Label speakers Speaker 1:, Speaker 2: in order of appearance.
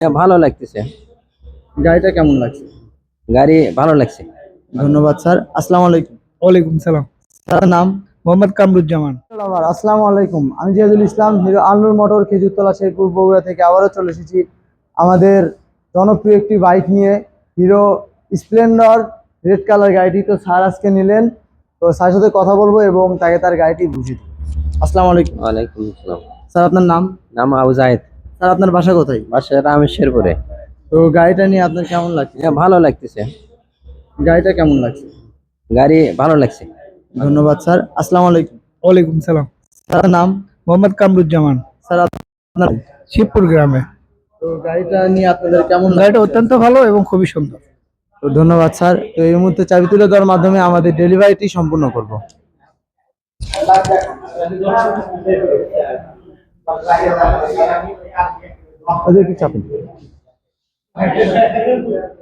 Speaker 1: ভালো লাগতেছে।
Speaker 2: গাড়িটা কেমন লাগছে?
Speaker 1: গাড়ি ভালো লাগছে।
Speaker 2: ধন্যবাদ স্যার। আসসালামু আলাইকুম।
Speaker 3: ওয়ালাইকুম সালাম।
Speaker 2: স্যার নাম?
Speaker 3: মোহাম্মদ কামরুজ্জামান।
Speaker 2: আসসালামু আলাইকুম। আমি জিয়াদুল ইসলাম, হিরো আলনুর মোটর, খেজুরতলা, শেরপুর, বগুড়া থেকে আবারও চলে এসেছি আমাদের জনপ্রিয় একটি বাইক নিয়ে, হিরো স্প্লেন্ডর রেড কালার গাড়িটি। তো স্যার আজকে নিলেন, তো স্যারের সাথে কথা বলবো এবং তাকে তার গাড়িটি বুঝিয়ে দেবো। আসসালামু আলাইকুম।
Speaker 1: ওয়ালাইকুম আসসালাম।
Speaker 2: স্যার আপনার নাম?
Speaker 1: নাম আবু জাহেদ।
Speaker 2: স্যার আপনার বাসা কোথায়?
Speaker 1: বাসা রামেশ্বরপুরে।
Speaker 2: তো গাড়িটা নিয়ে আপনার কেমন লাগছে?
Speaker 1: ভালো লাগতেছে।
Speaker 2: গাড়িটা কেমন লাগছে?
Speaker 1: গাড়ি ভালো লাগছে।
Speaker 2: ধন্যবাদ স্যার। আসসালামু আলাইকুম।
Speaker 3: ওয়ালাইকুম সালাম।
Speaker 2: স্যার নাম?
Speaker 3: মোহাম্মদ কামরুজ্জামান।
Speaker 2: স্যার আপনার?
Speaker 3: শিবপুর গ্রামে।
Speaker 2: তো গাড়িটা নিয়ে আপনাদের কেমন
Speaker 3: গাড়িটা
Speaker 2: লাগছে?
Speaker 3: অত্যন্ত ভালো এবং খুবই সুন্দর।
Speaker 2: তো ধন্যবাদ স্যার। তো এই মুহূর্তে চাবি তুলে দেওয়ার মাধ্যমে আমাদের ডেলিভারিটি সম্পূর্ণ করব। ওদেরকে চাপেন।